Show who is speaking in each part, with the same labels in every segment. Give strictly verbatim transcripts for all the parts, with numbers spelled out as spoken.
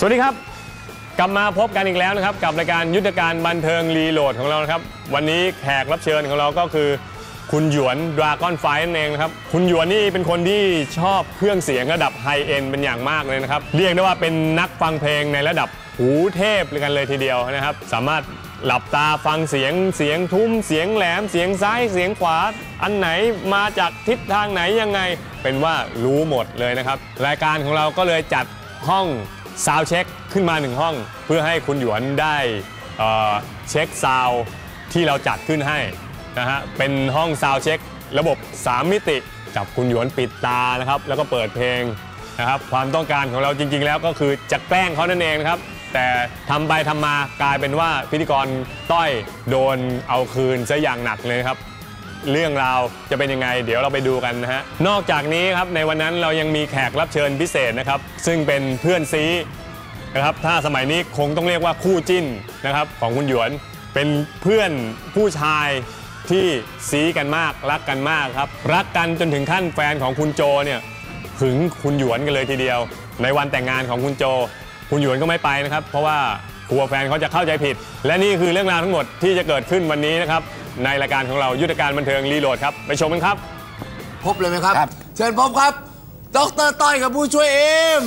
Speaker 1: สวัสดีครับกลับมาพบกันอีกแล้วนะครับกับรายการยุทธการบันเทิงรีโหลดของเรานะครับวันนี้แขกรับเชิญของเราก็คือคุณหยวนดราก้อนไฟนั่นเองนะครับคุณหยวนนี่เป็นคนที่ชอบเครื่องเสียงระดับไฮเอ็นเป็นอย่างมากเลยนะครับเรียกได้ว่าเป็นนักฟังเพลงในระดับหูเทพเลยกันเลยทีเดียวนะครับสามารถหลับตาฟังเสียงเสียงทุ้มเสียงแหลมเสียงซ้ายเสียงขวาอันไหนมาจากทิศทางไหนยังไงเป็นว่ารู้หมดเลยนะครับรายการของเราก็เลยจัดห้องซาวด์เช็คขึ้นมาหนึ่งห้องเพื่อให้คุณหยวนได้เอ่อเช็คซาวด์ที่เราจัดขึ้นให้นะฮะเป็นห้องซาวด์เช็คระบบสามมิติจับคุณหยวนปิดตานะครับแล้วก็เปิดเพลงนะครับความต้องการของเราจริงๆแล้วก็คือจะแกล้งเขานั่นเองนะครับแต่ทำไปทำมากลายเป็นว่าพิธีกรต้อยโดนเอาคืนซะอย่างหนักเลยครับเรื่องราวจะเป็นยังไงเดี๋ยวเราไปดูกันนะฮะนอกจากนี้ครับในวันนั้นเรายังมีแขกรับเชิญพิเศษนะครับซึ่งเป็นเพื่อนซีนะครับถ้าสมัยนี้คงต้องเรียกว่าคู่จิ้นนะครับของคุณหยวนเป็นเพื่อนผู้ชายที่ซีกันมากรักกันมากครับรักกันจนถึงขั้นแฟนของคุณโจเนี่ยหึงคุณหยวนกันเลยทีเดียวในวันแต่งงานของคุณโจคุณหยวนก็ไม่ไปนะครับเพราะว่ากลัวแฟนเขาจะเข้าใจผิดและนี่คือเรื่องราวทั้งหมดที่จะเกิดขึ้นวันนี้นะครับในรายการของเรายุทธการบันเทิงรีโหลดครับไปชมกันครับ
Speaker 2: พบเลยไหมครับเชิญพบครับดร.ต้อยกับผู้ช่วยเอ็ม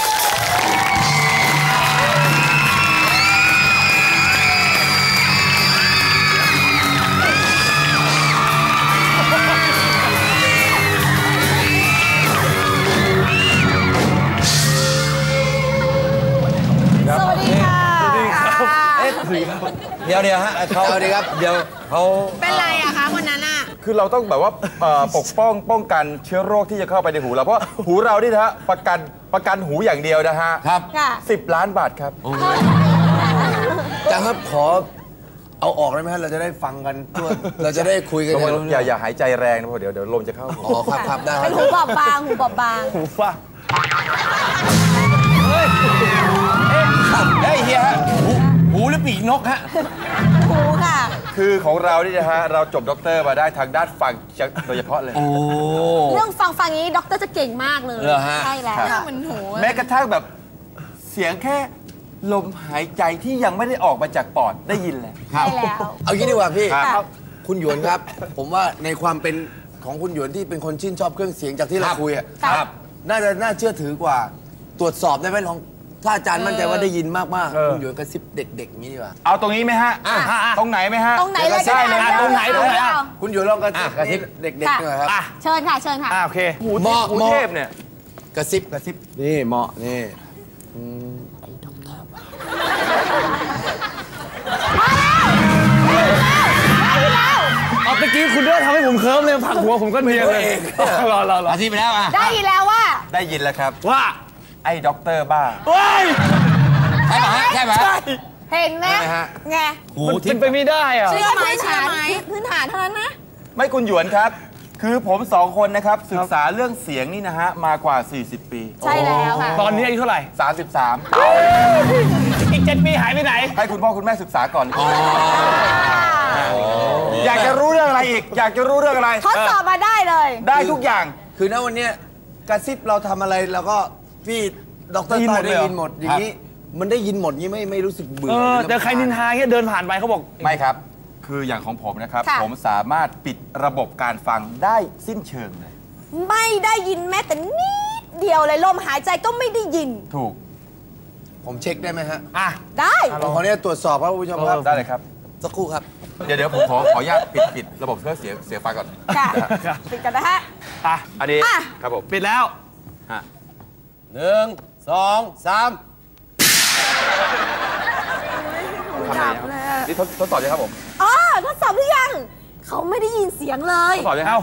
Speaker 3: สวัสดีค่ะสวัสดีครับเอ๊ะ
Speaker 4: เดี๋ยวเดี๋ยวฮะเขา
Speaker 2: สวัสดีครับ
Speaker 4: เดี๋ยวเขา
Speaker 3: เป็นไรอะคะวันนั้นอะ
Speaker 4: คือเราต้องแบบว่าปกป้องป้องกันเชื้อโรคที่จะเข้าไปในหูเราเพราะหูเรานี่นะฮะประกันประกันหูอย่างเดียวนะฮะ
Speaker 2: ครับ
Speaker 4: สิบล้านบาทครับ
Speaker 2: จังครับขอเอาออกได้ไหมฮะเราจะได้ฟังกันทั่วเราจะได้คุยกัน
Speaker 4: อย่าอย่าหายใจแรงนะเพราะเดี๋ยวเดี๋ยวลมจะเข้า
Speaker 2: อ๋อครับครับได้
Speaker 3: เป็นหูบอบบางหูบอบบาง
Speaker 4: หูฟ้า
Speaker 2: เฮ้ยเฮ้ยเฮียฮะหูหรือปีกนกฮะ
Speaker 3: หูค่ะ
Speaker 4: คือของเรานี่นะฮะเราจบด็อกเตอร์มาได้ทางด้านฟังโดยเฉพาะเลย
Speaker 2: โอ้
Speaker 3: เรื่องฟังฟังนี้ด็อกเตอร์จะเก่งมากเลยใช่แล้ว
Speaker 4: เหมือนหูแม้กระทั่งแบบเสียงแค่ลมหายใจที่ยังไม่ได้ออกมาจากปอดได้ยินแล้ว
Speaker 3: ใช่แล้ว
Speaker 2: เอางี้ดีกว่าพี่คุณหยวนครับผมว่าในความเป็นของคุณหยวนที่เป็นคนชื่นชอบเครื่องเสียงจากที่เราคุยอะน่าจะน่าเชื่อถือกว่าตรวจสอบได้ไหมลองถ้าอาจารย์มั่นใจว่าได้ยินมากๆคุณหยวนกระซิบเด็กๆนี้ดีกว่า
Speaker 4: เอาตรงนี้ไหมฮะตรงไหนไหมฮะ
Speaker 3: ตรงไหนเลยก็
Speaker 4: ได้เลยตรงไหนตรงไหน
Speaker 2: คุณหยวนลองกระซิบเด็กๆหน่อยครับ
Speaker 3: เชิญค่ะเชิญค่ะ
Speaker 4: โอเคหูเทพเนี่ย
Speaker 2: กระซิบกระซิบนี่เหมาะนี่
Speaker 3: ไอ้ด็อกเตอร์
Speaker 4: เอาตะกี้คุณเลือกทำให้ผมเคิร์มเลยผักหัวผมก็เพียเลยรอรอรอ
Speaker 2: ที่ไปแล้วอ่ะ
Speaker 3: ได้ยินแล้วว่า
Speaker 4: ได้ยินแล้วครับว่าไอ้ด็อกเตอร์บ้า
Speaker 2: ใช่ไหมใช่ไหม
Speaker 3: เห็นไหมไง
Speaker 4: มันเป็นไปไม่ได้อะ
Speaker 3: เชื่อไหมเชื่อไหมพื้นฐานเท่านั้นนะ
Speaker 4: ไม่คุณหยวนครับคือผมสองคนนะครับศึกษาเรื่องเสียงนี่นะฮะมากว่าสี่สิบปี
Speaker 3: ใช่แล้วค่ะ
Speaker 4: ตอนนี้อายุเท่าไหร่สามสิบสามอีกเจ็ดปีหายไปไหนให้คุณพ่อคุณแม่ศึกษาก่อนอยากจะรู้เรื่องอะไรอีกอยากจะรู้เรื่องอะไร
Speaker 3: ทดสอบมาได้เลย
Speaker 4: ได้ทุกอย่าง
Speaker 2: คือณวันนี้กระซิบเราทำอะไรแล้วก็พี่ดร.ต้อยได้ยินหมดอย่างนี้มันได้ยินหมดนี้ไม่ไม่รู้สึกเบื่อ
Speaker 4: แต่ใครนินทาแค่เดินผ่านไปเขาบอกไม่ครับคืออย่างของผมนะครับผมสามารถปิดระบบการฟังได้สิ้นเชิงเลย
Speaker 3: ไม่ได้ยินแม้แต่นิดเดียวเลยลมหายใจก็ไม่ได้ยิน
Speaker 4: ถูก
Speaker 2: ผมเช็คได้ไหมฮะ
Speaker 3: อ่ะได้
Speaker 2: ผมขอเนี่ยตรวจสอบครับคุณผู้ชมครับ
Speaker 4: ได้เลยครับ
Speaker 2: สักครู่ครับ
Speaker 4: เดี๋ยวเดี๋ยวผมขอขออนุญาตปิดปิดระบบเพื่อเสียเสียไฟก่อน
Speaker 3: ค่ะปิดกันนะฮะ
Speaker 4: อ่ะอันนี้ครับผม
Speaker 2: ปิดแล้วฮะหนึ่งสองสาม
Speaker 3: ดับเลย
Speaker 4: นี่ทดทดสอบยังครับผม
Speaker 3: อ๋อทดสอบหรือยังเขาไม่ได้ยินเสียงเลย
Speaker 4: ทดสอบยังเอ้า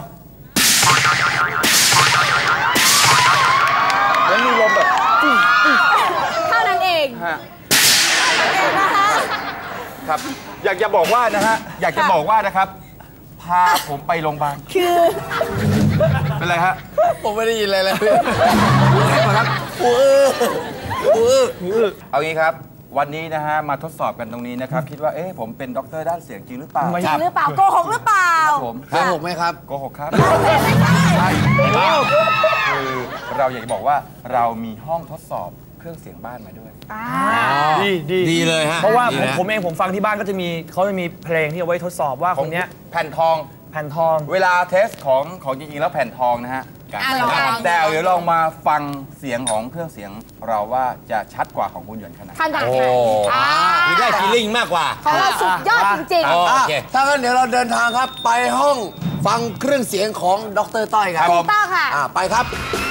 Speaker 4: แล้วมีลมแบบ
Speaker 3: เท่านั้นเอง
Speaker 4: ฮะครับอยากจะบอกว่านะฮะอยากจะบอกว่านะครับพาผมไปโรงพยาบาล
Speaker 3: คือ
Speaker 4: เป็นไรฮะ
Speaker 2: ผมไม่ได้ยินอะไรเลย
Speaker 4: ครับ
Speaker 2: อู้อู้
Speaker 4: อู้เอางี้ครับวันนี้นะฮะมาทดสอบกันตรงนี้นะครับคิดว่าเอ๊ะผมเป็นด็อกเตอร์ด้านเสียงจริงหรือเปล่า
Speaker 3: จริงหรือเปล่าโกหกหรือเปล่า
Speaker 4: ผม
Speaker 2: โกหกไหมครับ
Speaker 4: โกหกครับคือเราอยากจะบอกว่าเรามีห้องทดสอบเครื่องเสียงบ้านมาด้วย
Speaker 5: ดีดี
Speaker 2: ดีเลยฮะ
Speaker 5: เพราะว่า
Speaker 2: ดี
Speaker 5: ผม
Speaker 2: นะ
Speaker 5: ผมเองผมฟังที่บ้านก็จะมีเขาจะมีเพลงที่เอาไว้ทดสอบว่าคนเนี้ย
Speaker 4: แผ่นทอง
Speaker 5: แผ่นทอง
Speaker 4: เวลาเทสของของจริงๆแล้วแผ่นทองนะฮะ
Speaker 3: อ่ะลองลอง
Speaker 4: แต่เดี๋ยวลองมาฟังเสียงของเครื่องเสียงเราว่าจะชัดกว่าของคุณหยวนขนาดไหน
Speaker 3: ขนาด
Speaker 2: โอ้
Speaker 3: ไหนอ่า
Speaker 2: มีได้ฟีลลิ่งมากกว่า
Speaker 3: ของเราสุดยอดจริง
Speaker 2: โอเคถ้างั้นเดี๋ยวเราเดินทางครับ ไปห้องฟังเครื่องเสียงของดรต้อยครับ
Speaker 3: ๆถูกต้องค่ะ
Speaker 2: อ่าไปครับ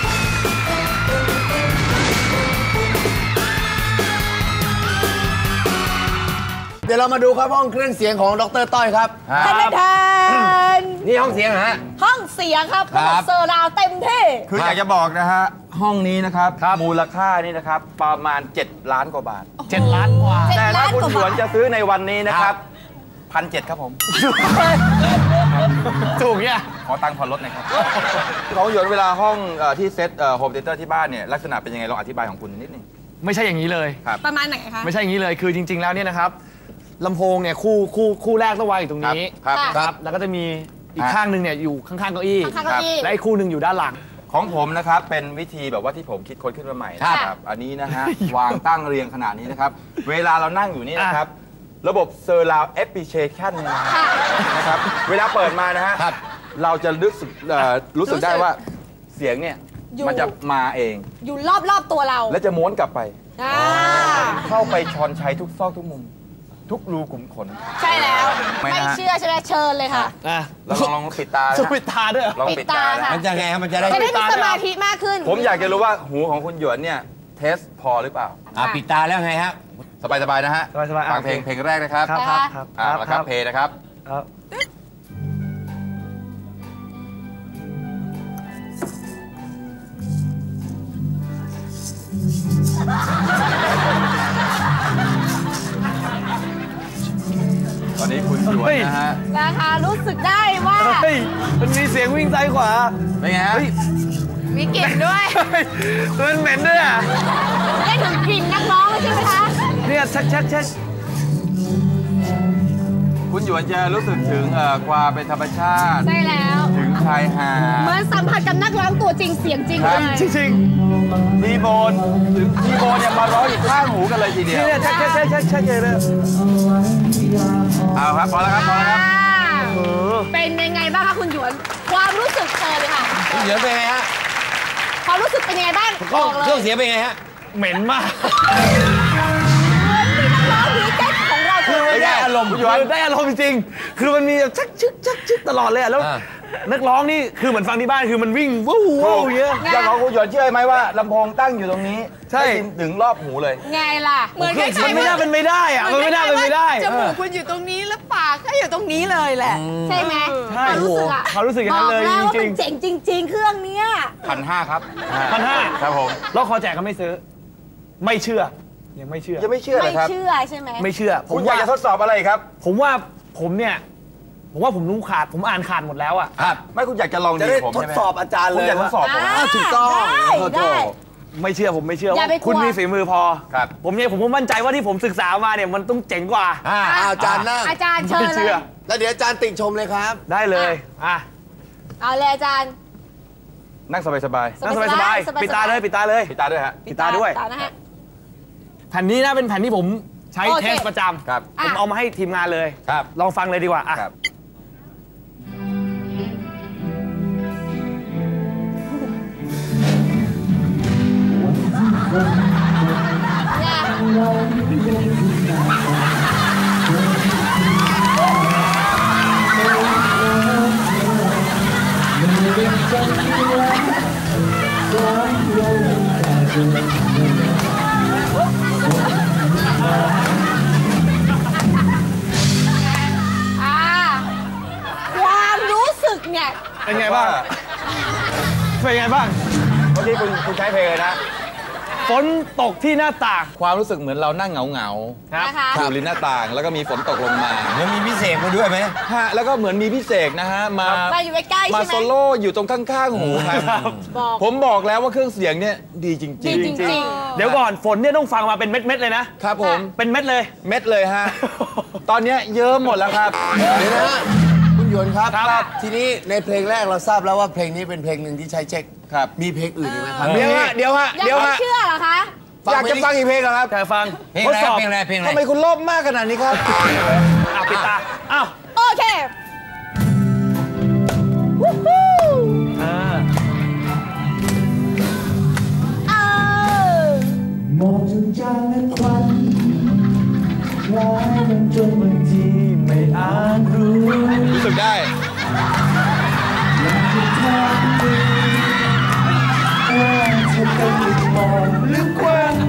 Speaker 2: เดี๋ยวเรามาดูครับห้องเครื่องเสียงของดรต้อยครับ
Speaker 3: ท่านประธาน
Speaker 2: นี่ห้องเสียงเหรอฮะ
Speaker 3: ห้องเสียงครับ
Speaker 2: ครับ
Speaker 3: ระบบเซอร์ราวด์เต็มที่
Speaker 4: คืออยากจะบอกนะฮะ ห้องนี้นะครับมูลค่านี่นะครับประมาณ เจ็ด ล้านกว่าบาท
Speaker 5: เจ็ดล้านกว่า
Speaker 3: เจ็ด
Speaker 4: แต่ถ้า
Speaker 3: ล้าน
Speaker 4: คุณ
Speaker 3: กว่า
Speaker 4: หยวน
Speaker 3: บาท
Speaker 4: จะซื้อในวันนี้นะครับพันเจ็ดครับผม
Speaker 5: ถูกเนี่ย
Speaker 4: ขอตังค์ผ่อนรถหน่อยครับ ของหยวนเวลาห้องเอ่อที่เซตโฮมเทเตอร์ที่บ้านเนี่ยลักษณะเป็นยังไงลองอธิบายของคุณนิดนึง
Speaker 5: ไม่ใช่อย่างนี้เลย
Speaker 3: ประมาณไหนคะ
Speaker 5: ไม่ใช่อย่างนี้เลยคือจริง ๆแล้วเนี่ยนะครับลำโพงเนี่ยคู่คู่คู่แรกต้องวางอยู่ตรงนี้
Speaker 4: ครับ
Speaker 3: ค่ะ
Speaker 5: ครับแล้วก็จะมีอีกข้างหนึ่งเนี่ยอยู่ข้างๆเก้าอี้
Speaker 3: ข้างๆเก้าอี้
Speaker 5: และอีกคู่หนึ่งอยู่ด้านหลัง
Speaker 4: ของผมนะครับเป็นวิธีแบบว่าที่ผมคิดค้นขึ้นมาใหม่
Speaker 3: ครับ
Speaker 4: นะครับอันนี้นะฮะ วางตั้งเรียงขนาดนี้นะครับ เวลาเรานั่งอยู่นี่นะครับ ระบบเซอร์ราวแอปพลิเคชันเนี่ยนะ
Speaker 3: ค่ะ
Speaker 4: นะครับเวลาเปิดมานะฮะเราจะรู้สึกเอ่อรู้สึกได้ว่าเสียงเนี่ย
Speaker 3: อยู่
Speaker 4: มันจะมาเอง
Speaker 3: อยู่รอบๆตัวเรา
Speaker 4: และจะม้วนกลับไป
Speaker 3: อ่า
Speaker 4: เข้าไปชอนชัยทุกซอกทุกมุม ทุกรูขุมขน
Speaker 3: ใช่แล้ว
Speaker 4: ไม่
Speaker 3: ไม่
Speaker 4: นะฮะ
Speaker 3: เชื่อใช่ไหมเชิญเลยค่ะ
Speaker 5: อ่ะ
Speaker 4: เราลองลองปิดตานะ
Speaker 5: จะ
Speaker 4: ฮะ
Speaker 5: ปิดตาด้วยเหรอ
Speaker 4: ลอง
Speaker 3: ปิ
Speaker 4: ปิด
Speaker 3: ด
Speaker 4: ตา
Speaker 3: ตา
Speaker 4: นะ
Speaker 3: ค่ะ
Speaker 2: มันจะไงครับมันจะได้
Speaker 3: จะได้มีสมาธิมากขึ้น
Speaker 4: ผมอยากจะรู้ว่าหูของคุณหยวนเนี่ยเทสพอหรือเปล่า
Speaker 2: อ่าปิดตาแล้วไงฮะ
Speaker 4: สบายๆนะฮะ
Speaker 5: สบายๆอ่ะ
Speaker 4: ฟังเพลงเพลงแรกนะครับ
Speaker 5: ครับครับครับ
Speaker 4: อ่าแล้วครับเพลงนะครับ
Speaker 5: ครับ
Speaker 4: ตอนนี้คุณหยวนนะฮะ
Speaker 3: นะคะรู้สึกได้ว่า
Speaker 5: เฮ้ยมันมีเสียงวิ่งซ้ายขวา
Speaker 4: เป็นไงฮะ
Speaker 3: มีกลิ่นด้วย
Speaker 5: เฮ้ยมันเหม็นด้วยอ่ะ
Speaker 3: ได้ถึงกลิ่นนักร้องเลยใช่ไหมคะ
Speaker 5: เนี่ยชักชักชัก
Speaker 4: คุณหยวนจะรู้สึกถึงเอ่อความเป็นธรรมชาติ
Speaker 3: ใช่แล้ว
Speaker 4: ถึงชายหา
Speaker 3: เหมื
Speaker 4: ด
Speaker 3: อนสัมผัสกับนักร้องตัวจริงเสียงจริง
Speaker 4: ค
Speaker 3: เล
Speaker 4: รับ
Speaker 3: ย
Speaker 5: จริง
Speaker 4: ทีโบนถึงทีโบนเนี่ยมาร้องอยู่ข้างหูกันเลยที
Speaker 5: ๆ
Speaker 4: เดียว
Speaker 5: เนี่ยชักชักชักชักชักเลยนะ
Speaker 4: เอาครับพอแล้วครับพอแล้วครับ
Speaker 5: เออ
Speaker 3: เป็นยังไงบ้างคะคุณหยวน ความรู้สึกเชิญเลยค่ะ
Speaker 2: คุณหยวนเป็นไงฮะ
Speaker 3: ความรู้สึกเป็นยังไงบ้าง
Speaker 2: ก็
Speaker 3: บอกเลย
Speaker 2: เครื่องเสียงเป็นไงฮะ
Speaker 5: เหม็นมาก
Speaker 3: เหมือนที่นักร้องดีเจของเรา
Speaker 5: คือมัน
Speaker 2: ได้อารมณ์
Speaker 5: คุณหยวนได้อารมณ์จริงๆคือมันมีแบบชักชึกชักชึกตลอดเลยอะแล้ว
Speaker 2: อ่า
Speaker 5: นักร้องนี่คือเหมือนฟังที่บ้านคือมันวิ่งวู้วู้อย่างเงี้ย
Speaker 4: อย่างของคุณหยวนเชื่อไหมว่าลำโพงตั้งอยู่ตรงนี้
Speaker 5: ใช่
Speaker 4: ได้ยินถึงรอบหูเลย
Speaker 3: ไงล่ะ
Speaker 6: เหมือนคล้ายๆ
Speaker 5: มันไม่น่าเป็นไม่ได้อะมันไม่น่าเป็นไม่ได้
Speaker 6: จมูกคุณอยู่ตรงนี้แล้วปากก็อยู่ตรงนี้เลยแหละ
Speaker 3: ใช่ไหม
Speaker 5: ใช่
Speaker 3: ความรู้สึกอะ
Speaker 5: เขารู้สึกอย่างนั้นเลย
Speaker 3: บอกแล้วว่า
Speaker 5: จริ
Speaker 3: มั
Speaker 5: ง
Speaker 3: นเจ๋งจริง ๆ เครื่องเนี้ย
Speaker 4: พันห้าครับ
Speaker 5: ๆพันห้า
Speaker 4: ครับผม
Speaker 5: แล้วคอแจกก็ไม่ซื้อ ไม่เชื่อ ยังไม่เชื่อ
Speaker 4: ยังไม่เชื่อเล
Speaker 3: ไม่
Speaker 4: ยครับ
Speaker 3: เชื่อใช่ไหม
Speaker 5: ไม่เชื่อ ผ
Speaker 4: คุ
Speaker 5: ม
Speaker 4: ณอยา
Speaker 5: ว่าก
Speaker 4: จะทดสอบอะไรครับ
Speaker 5: ผมว่าผมเนี่ย ผมว่าผมรู้ขาด ผมอ่านขาดหมดแล้วอะ
Speaker 2: ครับ
Speaker 4: ไม่คุณอยากจะลอง
Speaker 2: จะ
Speaker 4: ดี
Speaker 2: ได้
Speaker 4: ผม
Speaker 2: ทด
Speaker 4: ใช่ไหม
Speaker 2: สอบอาจารย์
Speaker 4: คุ
Speaker 2: เล
Speaker 4: ณ
Speaker 2: ย
Speaker 4: อยากทดสอบผม
Speaker 3: อ่า
Speaker 2: อ้าวถูกต้อง
Speaker 3: ได้
Speaker 2: ขอโท
Speaker 3: ได้
Speaker 2: ษ
Speaker 5: ไม่เชื่อผมไม่เชื่อ
Speaker 3: อย่า
Speaker 5: ว่า
Speaker 3: ไปกลัว
Speaker 5: คุณมีฝีมือพอ
Speaker 4: ครับ
Speaker 5: ผมเนี่ยผมก็มั่นใจว่าที่ผมศึกษามาเนี่ยมันต้องเจ๋งกว่า
Speaker 2: อ่าอาจารย์นั่ง
Speaker 3: อาจารย์เชิญ
Speaker 5: ไม่
Speaker 3: เล
Speaker 5: เชื่
Speaker 3: ย
Speaker 5: อ
Speaker 2: แล้วเดี๋ยวอาจารย์ติชมเลยครับ
Speaker 5: ได้เลยอ่ะ
Speaker 3: เอาเลยอาจารย์
Speaker 4: นั่งสบาย
Speaker 5: นั่งสบายสบายๆ
Speaker 3: สบายๆ
Speaker 5: ปิดตาเลยปิดตาเลย
Speaker 4: ๆปิดตาด้วยฮะ
Speaker 5: ปิดตาด้วย
Speaker 3: ตานะฮะ
Speaker 5: แผ่นนี้นะเป็นแผ่นที่ผมใช้
Speaker 3: โอเค
Speaker 5: เทสประจำ
Speaker 4: ครับ
Speaker 5: ผมเอามาให้ทีมงานเลย
Speaker 2: ครับ
Speaker 5: ลองฟังเลยดีกว่าอ่ะ
Speaker 4: ครับ
Speaker 3: เนี่ย อ่าความรู้สึกเนี่ย
Speaker 5: เป็นไงบ้าง เป็นไงบ้าง
Speaker 4: เมื่อกี้คุณคุณใช้เพลงเลยนะ
Speaker 5: ฝนตกที่หน้าต่าง
Speaker 4: ความรู้สึกเหมือนเรานั่งเหงาเหงา
Speaker 5: ครับ
Speaker 3: นะคะ
Speaker 4: อยู่ริมหน้าต่าง แล้วก็มีฝนตกลงมา
Speaker 2: แล้วมีพิเศษมาด้วยไหม
Speaker 4: ฮะแล้วก็เหมือนมีพี่เสกนะฮะ มา
Speaker 3: มาอยู่ใกล้ๆ
Speaker 4: มา
Speaker 3: ใช่ไหม
Speaker 4: โซโล่อยู่ตรงข้างๆหูครับ
Speaker 3: บอก
Speaker 4: ผมบอกแล้วว่าเครื่องเสียงเนี่ยดีจ
Speaker 3: ดี
Speaker 4: ริง
Speaker 3: จริง
Speaker 5: เดี๋ยวก่อนฝนเนี่ยต้องฟังมาเป็นเม็ดๆเลยนะ
Speaker 4: ๆ ครับผม
Speaker 5: เป็นเม็ดเลย
Speaker 4: เม็ดเลยฮะ ตอนเนี้ยเยิ้มหมดแล้วครับ
Speaker 2: เดี๋ยวนะฮะคุณหยวนครับ
Speaker 5: ครับ
Speaker 2: ทีนี้ในเพลงแรกเราทราบแล้วว่าเพลงนี้เป็นเพลงหนึ่งที่ใช้เช็ค
Speaker 4: ครับ
Speaker 2: มีเพลงอื่นอีกไหมครับ
Speaker 4: เดี๋ยวฮะ เดี๋ยวฮะ
Speaker 3: ยัง
Speaker 4: เดี๋ยว
Speaker 3: ไม่
Speaker 4: ฮะ
Speaker 3: เชื่อเหรอคะ
Speaker 4: อยากจะฟังอีกเพลงเหรอครับ
Speaker 5: อยากฟัง
Speaker 2: เพลงอะไรเพลงอะไรเพลงอะไร
Speaker 4: ทำไมคุณโลภมากขนาดนี้ครับ
Speaker 5: อ่ะปิดตาอ้าว
Speaker 3: โอเควู้ฮู้
Speaker 5: อ่า
Speaker 3: เออ
Speaker 7: มองจนจางและควันคล้ายมันจนบางทีไม่อาจรู้
Speaker 4: รู้สึกได้
Speaker 7: ว่าเธอเป็นมองลึกกว้าง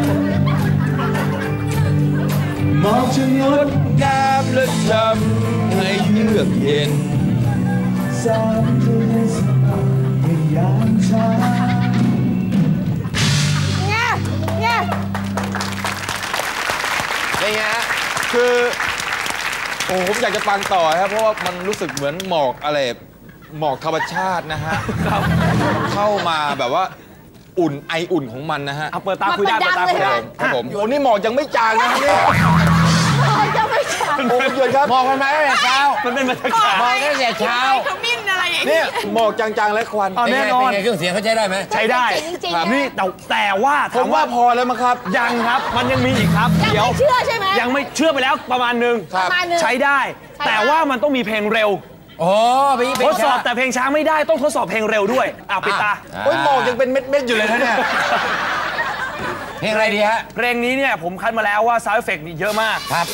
Speaker 7: มองชะงด
Speaker 4: น้ำและจำให้เยือกเย็น
Speaker 7: สามเธอในสภาพในยามเช้า
Speaker 3: เนี่ยเนี่ย
Speaker 4: เป็นไงฮะคือโอ้ผมอยากจะฟังต่อครับเพราะว่ามันรู้สึกเหมือนหมอกอะไรหมอกธรรมชาตินะฮะเข้ามาแบบว่าอุ่นไออุ่นของมันนะฮะ
Speaker 5: เอาเปิดตาคุยได้เปิดตาคุยได้
Speaker 4: ครับผมโอ้นี่หมอกยังไม่จางนะเนี่ย
Speaker 3: มันจะไม่ใช่
Speaker 4: โอ้หยุดครับ
Speaker 2: มองกันมาตั้งแต่เช้า
Speaker 5: มันเป็นบรรยากาศ
Speaker 2: มองตั้งแต่เช้า
Speaker 6: ขมิ้นอะไรอย่าง
Speaker 4: เนี่
Speaker 6: เงี้
Speaker 4: ย
Speaker 6: ย
Speaker 4: หมอกจางๆและควัน
Speaker 5: เอาแน่นอน
Speaker 2: เป็นไงเครื่องเสียงเขาใช้ได้ไหม
Speaker 5: ใช้ได้
Speaker 3: จริงๆ
Speaker 5: ครับ
Speaker 3: นะ
Speaker 5: นี่แต่แต่ว่า
Speaker 4: ผ
Speaker 5: ถาม
Speaker 4: ม
Speaker 5: ว่า
Speaker 4: ว่าพอแล้วมั้งครับ
Speaker 5: ยังครับมันยังมีอีกครับ
Speaker 3: ยัง
Speaker 5: เดี๋ยว
Speaker 3: ไม่เชื่อใช่ไหม
Speaker 5: ยังไม่เชื่อไปแล้วประมาณหนึง
Speaker 3: ประมาณหนึง
Speaker 5: ใช้ได้
Speaker 3: ใช้ได้
Speaker 5: แต่ว่ามันต้องมีเพลงเร็ว
Speaker 2: โอ้ไปอีกเพล
Speaker 5: ท
Speaker 2: ง
Speaker 5: ดสอบแต่เพลงช้าไม่ได้ต้องทดสอบเพลงเร็วด้วยอ่ะปิดตา
Speaker 4: โอ้ยหมอกยังเป็นเม็ดๆอยู่เลยนะเนี่ย
Speaker 2: เพลงอะไรดีฮะ
Speaker 5: เพลงนี้เนี่ยผมคัดมาแล้วว่าซาวด์เอฟเฟกต์นี่เยอะมาก
Speaker 2: ครับ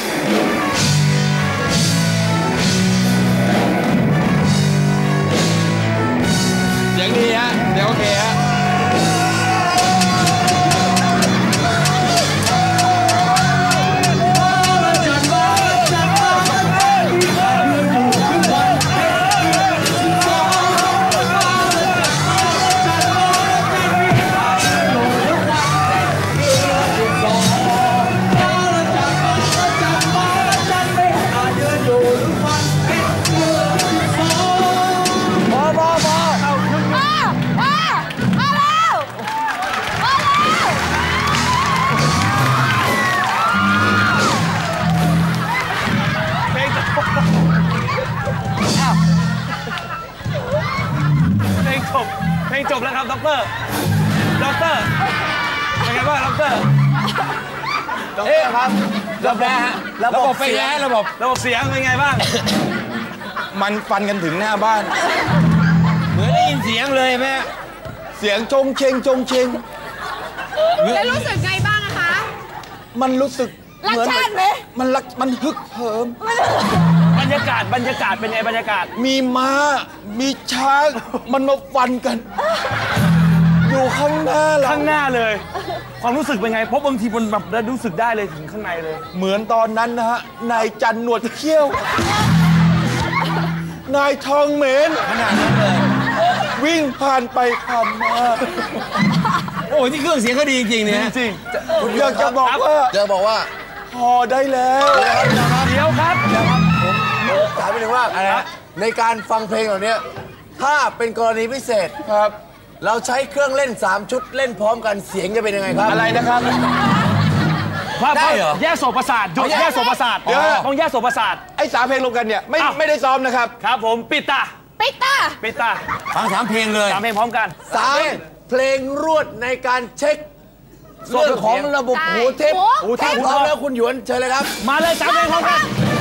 Speaker 4: เสียงดีฮะเดี๋ยวโอเคฮะ
Speaker 5: เพลงจบเพลงจบแล้วครับด็อกเตอร์ด็อกเตอร์เป็นไงบ้างด็อกเตอร์ด็อกเตอร์ครับ
Speaker 2: ระบบฮะระบบเป็นไงระบบ
Speaker 5: ระบบเสียงเป็นไงบ้าง
Speaker 4: มันฟันกันถึงหน้าบ้าน
Speaker 2: เหมือนได้ยินเสียงเลยแม่
Speaker 4: เสียงจงเชงจงเชง
Speaker 6: แล้วรู้สึกไงบ้างอะคะ
Speaker 4: มันรู้สึก
Speaker 3: รักชาติไหม
Speaker 4: มันรักมันฮึกเหิม
Speaker 5: บรรยากาศบรรยากาศเป็นไงบรรยากาศ
Speaker 4: มีม้า มีช้าง มันมาฟันกัน อยู่ข้างหน้าเรา
Speaker 5: ข้างหน้าเลย ความรู้สึกเป็นไงเพราะบางทีมันแบบรู้สึกได้เลยถึงข้างในเลย
Speaker 4: เหมือนตอนนั้นนะฮะ นายจันหนวดเขี้ยว นายทองเหม็น
Speaker 2: ขนาดนั้นเลย
Speaker 4: วิ่งผ่านไปผ่านมา
Speaker 2: โอ้ยนี่เครื่องเสียงก็ดีจริงๆเนี่ย
Speaker 5: จริง
Speaker 4: ผมอยากจะบอกว่า
Speaker 2: เดี๋ยวบอกว่า
Speaker 4: พอได้แล้ว
Speaker 5: เดี๋ยวครับ
Speaker 2: ถามไปถึงว่าอะไรนะในการฟังเพลงเหล่านี้ถ้าเป็นกรณีพิเศษ
Speaker 4: ครับ
Speaker 2: เราใช้เครื่องเล่นสามชุดเล่นพร้อมกันเสียงจะเป็นยังไงครับ
Speaker 4: อะไรนะครับ
Speaker 2: ได้เหรอ
Speaker 5: แยกโสตประสาทหยุด
Speaker 2: เอาแยก
Speaker 5: แยกโสตประสาท
Speaker 4: เดี๋ยว
Speaker 5: ต้องแยกโสตประสาท
Speaker 4: ไอ้สามเพลงรวมกันเนี่ยไม่
Speaker 5: อ้าว
Speaker 4: ไม่ได้ซ้อมนะครับ
Speaker 5: ครับผมปิดตา
Speaker 3: ปิดตา
Speaker 5: ปิดตา
Speaker 2: ฟังสามเพลงเลย
Speaker 5: สามเพลงพร้อมกัน
Speaker 2: สามเพลงรวดในการเช็คเรื่องของระบบหูเทป
Speaker 5: หูเทป
Speaker 2: พร้อมแล้วคุณหยวนเชิญเลยครับ
Speaker 5: มาเลยสามเพลงพร้อมกัน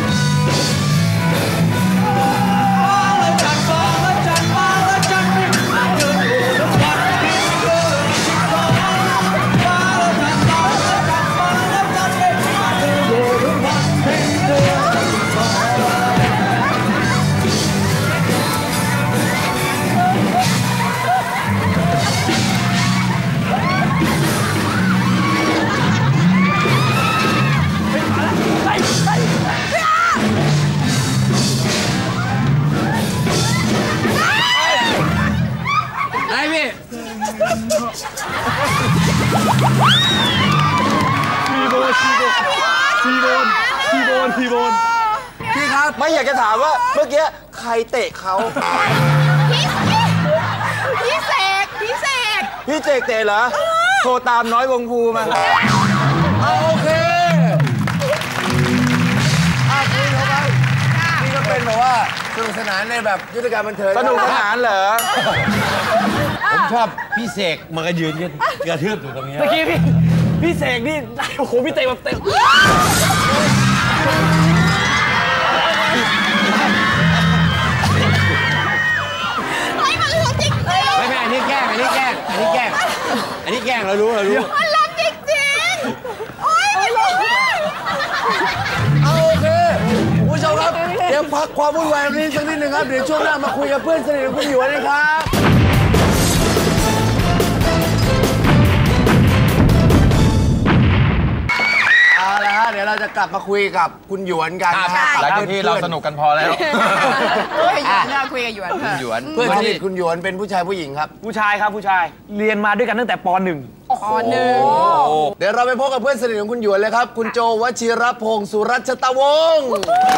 Speaker 2: ไอ้พี่
Speaker 5: ทีโบนทีโบนทีโบนทีโบนทีโบน
Speaker 2: พี่ครับ
Speaker 4: ไม่อยากจะถามว่าเมื่อกี้ใครเตะเขา
Speaker 6: พี่เสกพี่เสก
Speaker 4: พี่เจกเตะเหรอ โทรตามน้อยวงภูมา
Speaker 2: เอาโอเคอ่ะคุณเข้าไปนี่ก็เป็นแบบว่าสนุกสนานในแบบยุทธการบันเทิง
Speaker 4: สนุกสนานเหรอ
Speaker 8: ผมชอบพี่เสกมันก็ยืนกันกระทืบอยู่ตรงนี้
Speaker 5: เมื่อกี้พี่พี่เสกนี่โอ้โหพี่เตะแบบเตะ
Speaker 6: เฮ้ยมันรักจริงเลย
Speaker 8: ไม่ไม่อันนี้แกล้งอันนี้แกล้งอันนี้แกล้งอันนี้แกล้งเรารู้เรารู้
Speaker 6: มันรักจริงจริงโอ๊ยไม่รู้
Speaker 2: เอาโอเคคุณผู้ชมครับเดี๋ยวพักความวุ่นวายนี้สักนิดหนึ่งครับเดี๋ยวช่วงหน้ามาคุยกับเพื่อนสนิทของคุณหยวนนะครับเอาละฮะเดี๋ยวเราจะกลับมาคุยกับคุณหยวนกันนะฮะ
Speaker 4: หลังจากที่เราสนุกกันพอแล้ว
Speaker 6: เฮ้ยหยวนเราคุยกับหยวนเถอะ
Speaker 4: หยวน
Speaker 2: เพื่อนสนิทคุณหยวนเป็นผู้ชายผู้หญิงครับ
Speaker 5: ผู้ชายครับผู้ชายเรียนมาด้วยกันตั้งแต่ปหนึ่ง
Speaker 6: อ๋อหนึ่ง
Speaker 2: เดี๋ยวเราไปพบกับเพื่อนสนิทของคุณหยวนเลยครับ คุณโจวชิรพงศ์สุรัชตวงศ์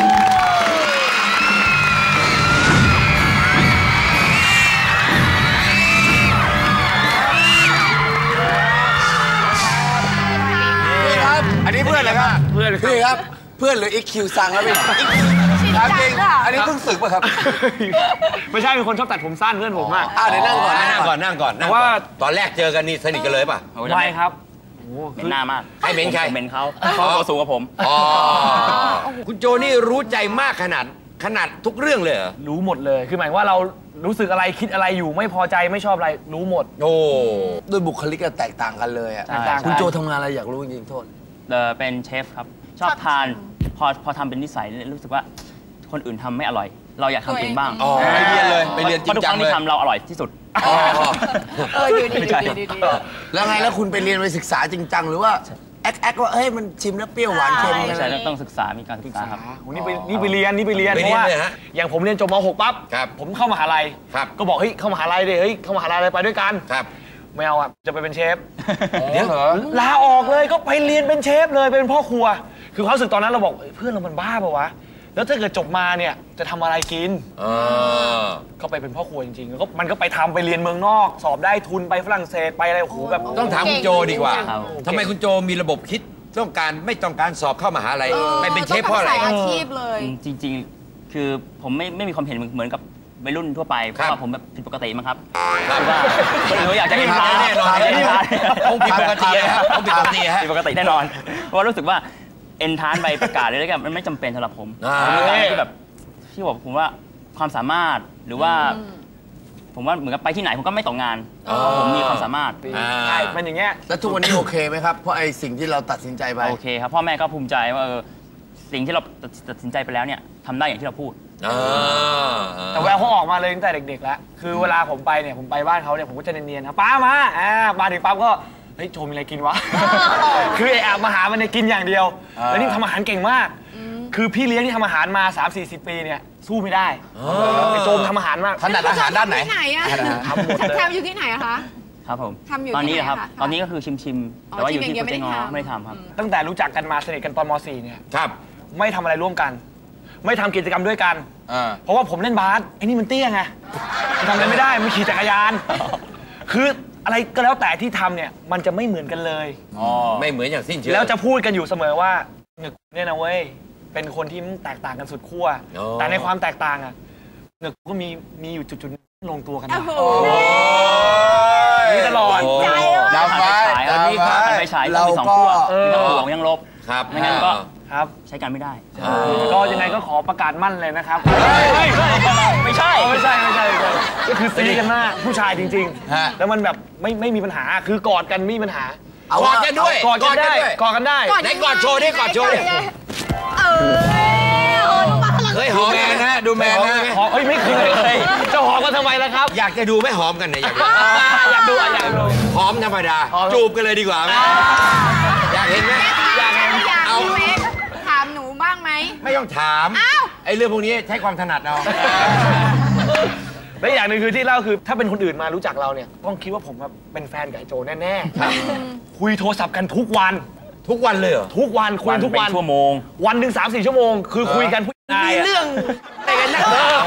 Speaker 2: นี่ครับ อันนี้เพื่อนเลยครับ
Speaker 5: เพื่อน
Speaker 2: พี่ครับ เพื่อนหรืออีกคิวสั่งครับพี่ถามจริงอันนี้เพิ่งศึกป่ะครับ
Speaker 5: ไม่ใช่เป็นคนชอบตัดผมสั้นเพื่อนผมอะ
Speaker 2: อ่าเดี๋ยวนั่งก่อน
Speaker 8: นั่งก่อนนั่งก่อนนั่งก่อน
Speaker 5: ว่า
Speaker 8: ตอนแรกเจอกันนี่สนิทกันเลยป่ะ
Speaker 5: ไม่ครับ
Speaker 9: เป็นหน้ามาก
Speaker 8: ให้เบนใคร
Speaker 9: เป็นเขาเขาตัวสูงกว่าผม
Speaker 8: อ๋อคุณโจนี่รู้ใจมากขนาดขนาดทุกเรื่องเลยเหรอ
Speaker 5: รู้หมดเลยคือหมายว่าเรารู้สึกอะไรคิดอะไรอยู่ไม่พอใจไม่ชอบอะไรรู้หมด
Speaker 8: โอ้
Speaker 2: ด้วยบุคลิกก็แตกต่างกันเลยอ่ะ
Speaker 5: แตกต่างกัน
Speaker 2: คุณโจทำงานอะไรอยากรู้จริงๆโทษ
Speaker 9: เออเป็นเชฟครับ ชอบทานพอพอทำเป็นนิสัยรู้สึกว่าคนอื่นทำไม่อร่อย เราอยากทำเองบ้าง
Speaker 4: อ๋อไปเรียนเลยไปเรียนจริงจังเลย
Speaker 9: พาะทุกครั้งที่ทำเราอร่อยที่สุด
Speaker 6: เออดูดี
Speaker 9: ไม่
Speaker 6: ดู
Speaker 9: ใช่
Speaker 6: ดีดูดี
Speaker 2: แล้วไงแล้วคุณไปเรียนไปศึกษาจริงจังหรือว่าแอคแอคว่าเฮ้ยมันชิมแล้วเปรี้ยวหวานเค็ม
Speaker 9: ไม่
Speaker 2: อะไร
Speaker 9: ใช่ต้องศึกษามีการศึกษาครับ
Speaker 5: โอ้นี่ไปนี่ไปเรียนนี่ไปเรียน
Speaker 8: ไป
Speaker 5: เพ
Speaker 8: เรียน
Speaker 5: ราะว่า
Speaker 8: เลยฮะ
Speaker 5: อย่างผมเรียนจบม หก ปั๊บ
Speaker 8: ครับ
Speaker 5: ผมเข้ามหาลัย
Speaker 8: ครับ
Speaker 5: ก็บอกเฮ้ยเข้ามหาลัยดิเฮ้ยเข้ามหาลัยอะไรไปด้วยกัน
Speaker 8: ครับ
Speaker 5: ไม่เอาอ่ะจะไปเป็นเชฟ
Speaker 4: เดี๋ยวเหรอ
Speaker 5: ลาออกเลยก็ไปเรียนเป็นเชฟเลยเป็นพ่อครัว คือความรู้สึกตอนนั้นเราบอกเฮ้ยเพื่อนเรามันบ้าปะวะแล้วถ้าเกิดจบมาเนี่ยจะทำอะไรกิน
Speaker 8: เออ
Speaker 5: ก็ไปเป็นพ่อครัวจริงๆแล้วก็มันก็ไปทำไปเรียนเมืองนอก สอบได้ทุนไปฝรั่งเศสไปอะไรโอ้โหแบบ
Speaker 8: ต้องถามคุณโจดีกว่า
Speaker 9: ครับ
Speaker 8: ทำไมคุณโจมีระบบคิดต้องการไม่ต้องการสอบเข้ามหาลัยไม่เป็นเชฟเพราะอะไร
Speaker 6: ต้องทำสายอาชีพเลย
Speaker 9: จริงๆ คือผมไม่ไม่มีความเห็นเหมือนกับวัยรุ่นทั่วไปเพ
Speaker 8: ครับ
Speaker 9: ราะว่าผมแบบผิดปกติมั้งครับ
Speaker 8: ครับ
Speaker 9: คือว่าคนอื่นเขาอยากจะกินปลา
Speaker 8: แน่นอน
Speaker 9: อยากจะกินปลา
Speaker 8: ต้องผิดปกติฮะต้องผิดปกติฮะ
Speaker 9: ผิดปกติแน่นอน เพราะว่ารู้สึกว่าเอนทานใบประกาศเลยแล้วกันมันไม่จำเป็นสำหรับผม
Speaker 8: อ่า
Speaker 9: ผมเป็นการที่แบบที่บอกผมว่าความสามารถหรือว่า ผมว่าเหมือนกับไปที่ไหนผมก็ไม่ตกงานเพราะผมมีความสามารถ
Speaker 8: อ่า
Speaker 5: ใช่เป็นอย่างเงี้ย
Speaker 2: แล้วทุกวันนี้โอเคไหมครับเพราะไอ้สิ่งที่เราตัดสินใจไป
Speaker 9: โอเคครับพ่อแม่ก็ภูมิใจว่าเออสิ่งที่เราตัดสินใจไปแล้วเนี่ยทำได้อย่างที่เราพูด
Speaker 8: อ่า
Speaker 5: แต่แววเขาออกมาเลยตั้งแต่เด็กๆแล้ว คือเวลาผมไปเนี่ยผมไปบ้านเขาเนี่ยผมก็จะเนียนๆนะป้ามาอ่ามาถึงปั๊บก็เฮ้ยโจมีอะไรกินวะ คือไอ้แอบมาหามันเนี่ยกินอย่างเดียว แล้วนี่ทำอาหารเก่งมาก คือพี่เลี้ยงที่ทำอาหารมา สามสี่สิบ ปีเนี่ยสู้ไม่ได้ไอ้โจมทำอาหารมาก
Speaker 4: ถนัดอาหารด้านไหน
Speaker 6: ที่ไหนอะ
Speaker 5: ทำหมดเลย
Speaker 6: ทำอยู่ที่ไหนอะคะ
Speaker 9: ครับผม
Speaker 6: ทำอยู่
Speaker 9: ตอนนี้
Speaker 6: ที่ไหน
Speaker 9: นะครับ
Speaker 6: คะ
Speaker 9: ตอนนี้ก็คือชิมชิมๆ
Speaker 6: อ๋อ
Speaker 9: แต่ว่าอยู่
Speaker 6: ชิม
Speaker 9: ที่
Speaker 6: อย่าง
Speaker 9: โป
Speaker 6: เดี
Speaker 9: ร
Speaker 6: ยว
Speaker 9: เจกต์
Speaker 6: ไม่
Speaker 9: ง
Speaker 6: ได้
Speaker 9: อ
Speaker 6: ทำ
Speaker 9: ไม่ได้ทำครับ
Speaker 5: ตั้งแต่รู้จักกันมาสนิทกันตอนม สี่เนี่ย
Speaker 8: ครับ
Speaker 5: ไม่ทำอะไรร่วมกัน ไม่ทำกิจกรรมด้วยกัน
Speaker 4: อ่า
Speaker 5: เพราะว่าผมเล่นบาสไอ้นี่มันเตี้ยไงมันทำอะไรไม่ได้มันขี่จักรยาน คืออะไรก็แล้วแต่ที่ทำเนี่ยมันจะไม่เหมือนกันเลย
Speaker 8: ไม่เหมือนอย่างสิ้นเชิง
Speaker 5: แล้วจะพูดกันอยู่เสมอว่าเหงึกเนี่ยนะเว้ยเป็นคนที่แตกต่างกันสุดขั้ว
Speaker 8: โอ้
Speaker 5: แต่ในความแตกต่างอะเหงึกก็มีมีอยู่จุดๆลงตัวกัน
Speaker 6: โอ้
Speaker 5: นะ
Speaker 6: โห
Speaker 5: นี่ตลอด
Speaker 2: ใจ
Speaker 4: จำไว้
Speaker 9: ตอนนี้ครับ
Speaker 4: จำไว้
Speaker 9: ไปฉายต้องมีสองขั้ว
Speaker 5: เออ
Speaker 9: มีทั้งบวกยังลบ
Speaker 8: ครับ
Speaker 9: ไม่งั้นก็
Speaker 5: ครับ
Speaker 9: ใช้กันไม่ได้
Speaker 5: ก็ยังไงก็ขอประกาศมั่นเลยนะครับ
Speaker 9: ไม่ใช่
Speaker 5: ไม่ใช่ไม่ใช่ไม่ใช่ก็คือซีกันมากผู้ชายจริง
Speaker 4: ฮะ
Speaker 5: ๆ แล้วมันแบบไม่ไม่มีปัญหาคือกอดกันไม่มีปัญหา
Speaker 2: เอา
Speaker 8: กอดกันด้วย
Speaker 5: กอดกันได้
Speaker 8: ด้วย
Speaker 5: กอดกันได้
Speaker 8: ไหนกอดโชว์ดิกอดโชว์ดิ
Speaker 6: เออเออต้องมาพลัง
Speaker 8: เฮ้ยหอม
Speaker 4: แมนนะดูแมนนะ
Speaker 5: หอมเฮ้ยไม่เคยเลยจะหอมกันทำไมล่ะครับ
Speaker 8: อยากจะดูไม่หอมกันเนี่ยอยากดู
Speaker 5: อยากดูอ่ะอยากดู
Speaker 8: หอมธรรมดา
Speaker 5: หอม
Speaker 8: จูบกันเลยดีกว่าไหมอยากเห็นไหม
Speaker 6: อยากอยาก
Speaker 8: เอา
Speaker 6: พี่เวกถามหนูบ้างไหม
Speaker 8: ไม่ต้องถาม
Speaker 6: อ้าว
Speaker 8: ไอ้เรื่องพวกนี้ใช้ความถนัดเอา
Speaker 5: และอย่างหนึ่งคือที่เล่าคือถ้าเป็นคนอื่นมารู้จักเราเนี่ยต้องคิดว่าผมแบบเป็นแฟนกับไอ้โจแน่ๆคุยโทรศัพท์กันทุกวัน
Speaker 8: ทุกวันเลยเหรอ
Speaker 5: ทุกวันคุยทุกวัน
Speaker 9: เป็นชั่วโมง
Speaker 5: วันหนึ่งสามสี่ชั่วโมง คือคุยกันผู้ชายมีเรื่องอะไรกันนักเออ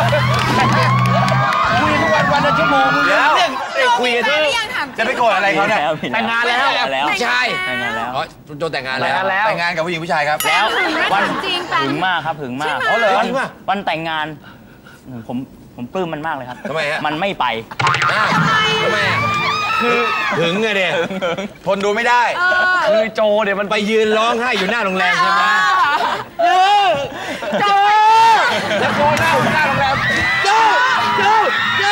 Speaker 4: คุยทุกวันวันละชั่วโมง
Speaker 5: แล้วเรื่องไอ้คุยกัน
Speaker 6: แฟ
Speaker 5: ที่
Speaker 6: นหรือยังถามจริง
Speaker 4: จะไปโกรธอะไรเขาเนี่ย
Speaker 5: แต่งงานแล้ว
Speaker 9: แล้ว
Speaker 8: ผู้ชาย
Speaker 9: แต่งงานแล้ว
Speaker 8: อ๋อคุณโจแต่งงาน
Speaker 5: แต่
Speaker 8: แล้
Speaker 5: ง
Speaker 8: ว
Speaker 5: งานแล้ว
Speaker 4: แต่งงานกับผู้หญิงผู้ชายครับ
Speaker 9: แล้ว
Speaker 6: ถึงไหม
Speaker 9: วัน
Speaker 6: ถามจริงแฟน
Speaker 9: ถึงมากครับถึงมาก
Speaker 6: อ๋อเหรอ
Speaker 9: วัน
Speaker 8: จริงป่ะ
Speaker 9: วันแต่งงานผมผมปลื้มมันมากเลยครับ
Speaker 8: ทำไมฮะ
Speaker 9: มันไม่ไป
Speaker 8: อ้าวทำไมอ่ะคือถึงไงเด็ทนดูไม่ได้
Speaker 5: คือโจเนี่ยมัน
Speaker 8: ไปยืนร้องไห้อยู่หน้าโรงแรมใช่ไหมโจแล้วโจหน้าอยู่หน้าโรงแรมโจโจโจ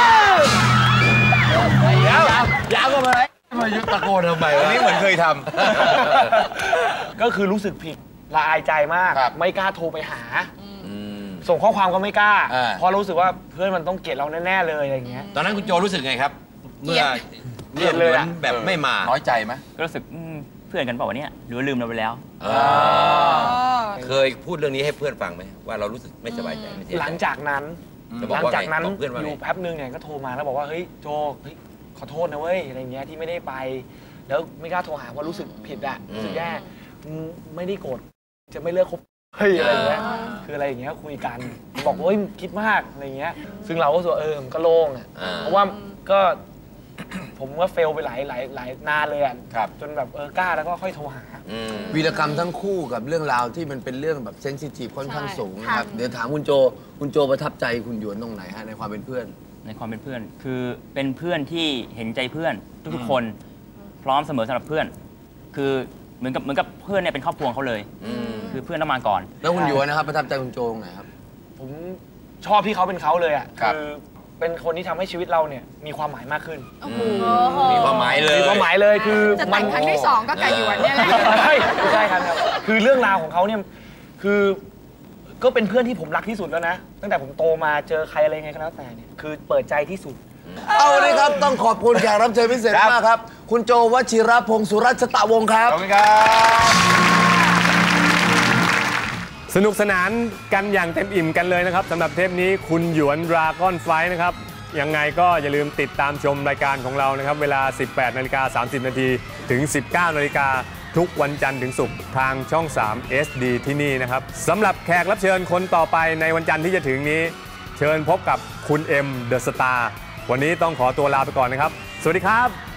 Speaker 8: เดี๋ยวยาวก็มาเลยมายุตะโกนทำไมวะนี่เหมือนเคยท
Speaker 5: ก็คือรู้สึกผิดละอายใจมาก
Speaker 8: ครับ
Speaker 5: ไม่กล้าโทรไปหา
Speaker 8: ำ
Speaker 5: ส่งข้อความก็ไม่กล้า
Speaker 8: อ่า
Speaker 5: เพราะรู้สึกว่าเพื่อนมันต้องเกลียดเราแน่ๆเลยอะไรอย่างเงี้ย
Speaker 8: ตอนนั้นคุณโจรู้สึกไงครับ เมื่อ
Speaker 5: เกลียดเลยอะ
Speaker 8: แบบไม่มา
Speaker 4: น้อยใจไหม
Speaker 9: ก็รู้สึกอืมเพื่อนกันเปล่าวะเนี่ยหรือว่าลืมเราไปแล้ว
Speaker 8: เคยพูดเรื่องนี้ให้เพื่อนฟังไหมว่าเรารู้สึกไม่สบายใจไม่เสียใจ
Speaker 5: หลังจากนั้น
Speaker 8: จะบอ
Speaker 5: หลั
Speaker 8: ก
Speaker 5: ง
Speaker 8: ว่า
Speaker 5: จากนั้น
Speaker 8: ไงบอกเพื่อนว่า
Speaker 5: อ
Speaker 8: ไง
Speaker 5: ยู่แป๊บนึงเนี่ยก็โทรมาแล้วบอกว่าเฮ้ยโจเฮ้ยขอโทษนะเว้ยอะไรเงี้ยที่ไม่ได้ไป แล้วไม่กล้าโทรหาว่ารู้สึกผิดอะรู้สึกแย่อืมไม่ได้โกรธจะไม่เลิกคบเฮ้ยอะไรเงี้ยคืออะไรอย่างเงี้ยคุยกันบอกว่าเฮ้ยคิดมากอะไรเงี้ยซึ่งเราก็รู้สึกว่าเออมันก็โล่งอะ
Speaker 8: อ่า
Speaker 5: เพราะว่าก็ ผมว่าเฟลไปหลายหลายหลายนานเลยอะ
Speaker 4: ครับ
Speaker 5: จนแบบเออกล้าแล้วก็ค่อยโทรหา
Speaker 8: อืม
Speaker 2: วีรกรรมทั้งคู่กับเรื่องราวที่มันเป็นเรื่องแบบเซนซิทีฟค่อนข้างสูงนะครับ เดี๋ยวถามคุณโจ คุณโจประทับใจคุณหยวนตรงไหนฮะในความเป็นเพื่อน
Speaker 9: ในความเป็นเพื่อน คือเป็นเพื่อนที่เห็นใจเพื่อนทุกๆคนพร้อมเสมอสำหรับเพื่อน คือเหมือนกับเหมือนกับเพื่อนเนี่ยเป็นครอบครัวเขาเลย คือเพื่อนต้องมาก่อน
Speaker 2: แล้วคุณหยวนนะครับประทับใจคุณโจตรงไหนครับ
Speaker 5: ผมชอบที่เขาเป็นเขาเลยอ่ะ
Speaker 4: ครับ
Speaker 5: คือเป็นคนที่ทำให้ชีวิตเราเนี่ยมีความหมายมากขึ้น
Speaker 8: มีความหมายเลย
Speaker 5: มีความหมายเลยคือ
Speaker 6: จะแต่งครั้งที่สองก็ไก่หยวนเนี่ยแหละ
Speaker 5: ไม่ไม่ใช่ครับครับ คือเรื่องราวของเขาเนี่ยคือก็เป็นเพื่อนที่ผมรักที่สุดแล้วนะ ตั้งแต่ผมโตมาเจอใครอะไรไงก็แล้วแต่เนี่ยคือเปิดใจที่สุด
Speaker 2: เอาเลยครับ ต้องขอบคุณแขกรับเชิญพิเศษมากครับ คุณโจวชิรพงศ์สุรัชตะวงศ์ครับ
Speaker 4: ขอบคุณครับ
Speaker 1: สนุกสนานกันอย่างเต็มอิ่มกันเลยนะครับสำหรับเทปนี้คุณหยวนดราก้อนไฟท์นะครับยังไงก็อย่าลืมติดตามชมรายการของเรานะครับเวลา สิบแปดนาฬิกาสามสิบนาทีถึง สิบเก้านาฬิกาทุกวันจันทร์ถึงศุกร์ทางช่อง สาม เอส ดี ที่นี่นะครับสำหรับแขกรับเชิญคนต่อไปในวันจันทร์ที่จะถึงนี้ เชิญพบกับคุณเอ็มเดอะสตาร์วันนี้ต้องขอตัวลาไปก่อนนะครับ สวัสดีครับ